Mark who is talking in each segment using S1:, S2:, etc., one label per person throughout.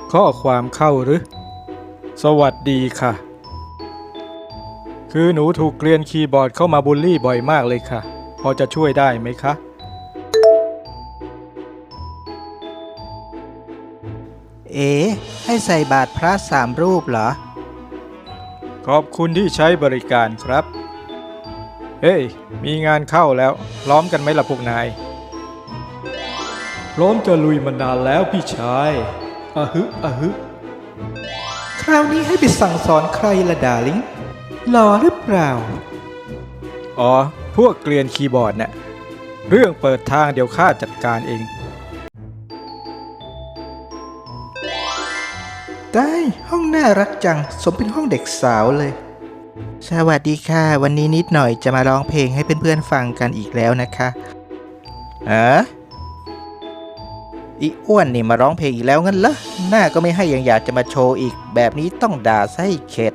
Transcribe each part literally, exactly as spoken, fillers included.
S1: ข้อความเข้าหรือสวัสดีค่ะคือหนูถูกเกลียนคีย์บอร์ดเข้ามาบูลลี่บ่อยมากเลยค่ะพอจะช่วยได้ไหมคะ
S2: เอ๋ให้ใส่บาตรพระสามรูปเหรอ
S1: ขอบคุณที่ใช้บริการครับเฮ้ยมีงานเข้าแล้วพร้อมกันไหมล่ะพวกนายพร้อมจะลุยมานานแล้วพี่ชายอะฮึอะฮึ
S2: คราวนี้ให้ไปสั่งสอนใครละดาลิงหล่อหรือเปล่า
S1: อ๋อพวกเกลียนคีย์บอร์ดเนี่ยเรื่องเปิดทางเดี๋ยวข้าจัดการเอง
S2: ได้ห้องน่ารักจังสมเป็นห้องเด็กสาวเลยสวัสดีค่ะวันนี้นิดหน่อยจะมาร้องเพลงให้เพื่อนๆฟังกันอีกแล้วนะคะอ๋ออีอ้วนนี่มาร้องเพลงอีกแล้วงั้นเหรอหน้าก็ไม่ให้ยังอยากจะมาโชว์อีกแบบนี้ต้องด่าซะให้เข็ด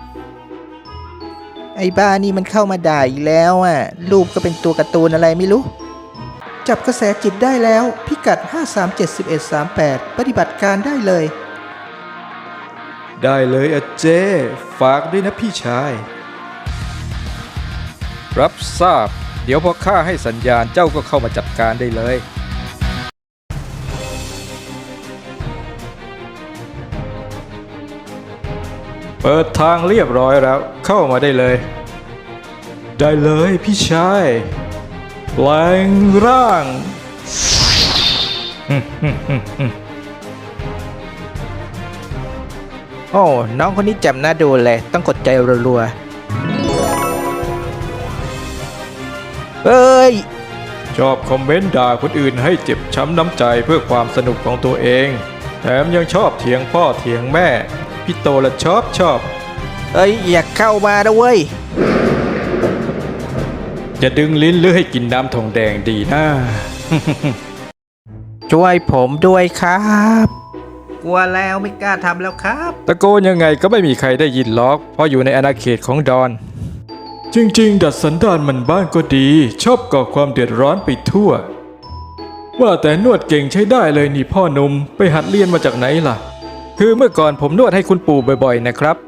S2: ไอ้บ้านี่มันเข้ามาด่าอีกแล้วอ่ะรูปก็เป็นตัวการ์ตูนอะไรไม่รู้จับกระแสจิตได้แล้วพิกัดห้า สาม เจ็ด สิบเอ็ด สาม แปดปฏิบัติการได้เลย
S1: ได้เลยอาเจฝากด้วยนะพี่ชายรับทราบเดี๋ยวพอข้าให้สัญญาณเจ้าก็เข้ามาจัดการได้เลยเปิดทางเรียบร้อยแล้วเข้ามาได้เลยได้เลยพี่ชายแปลงร่าง
S2: โอ้น้องคนนี้จำหน้าดูเลยต้องกดใจรัวๆเอ้ย
S1: ชอบคอมเมนต์ด่าคนอื่นให้เจ็บช้ำน้ำใจเพื่อความสนุกของตัวเองแถมยังชอบเถียงพ่อเถียงแม่พี่โตละชอบชอบ
S2: เอ้ยอยากเข้ามานะเว้ย
S1: จะดึงลิ้นหรือให้กินน้ำทองแดงดีนะ
S2: ช่วยผมด้วยครับกลัวแล้วไม่กล้าทำแล้วครับ
S1: ตะโกนยังไงก็ไม่มีใครได้ยินล็อกเพราะอยู่ในอาณาเขตของดอนจริงๆดัดสันดานมันบ้านก็ดีชอบก่อความเดือดร้อนไปทั่วว่าแต่นวดเก่งใช้ได้เลยนี่พ่อหนุ่มไปหัดเรียนมาจากไหนล่ะคือเมื่อก่อนผมนวดให้คุณปู่บ่อยๆนะครับ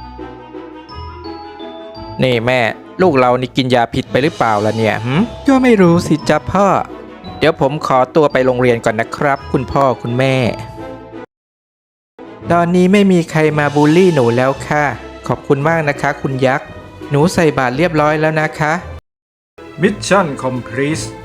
S2: นี่แม่ลูกเรานี่กินยาผิดไปหรือเปล่าล่ะเนี่ยหืมก็ไม่รู้สิจ๊ะพ่อเดี๋ยวผมขอตัวไปโรงเรียนก่อนนะครับคุณพ่อคุณแม่ตอนนี้ไม่มีใครมาบูลลี่หนูแล้วค่ะขอบคุณมากนะคะคุณยักษ์หนูใส่บาตรเรียบร้อยแล้วนะคะ
S1: มิชชั่นคอมพลีท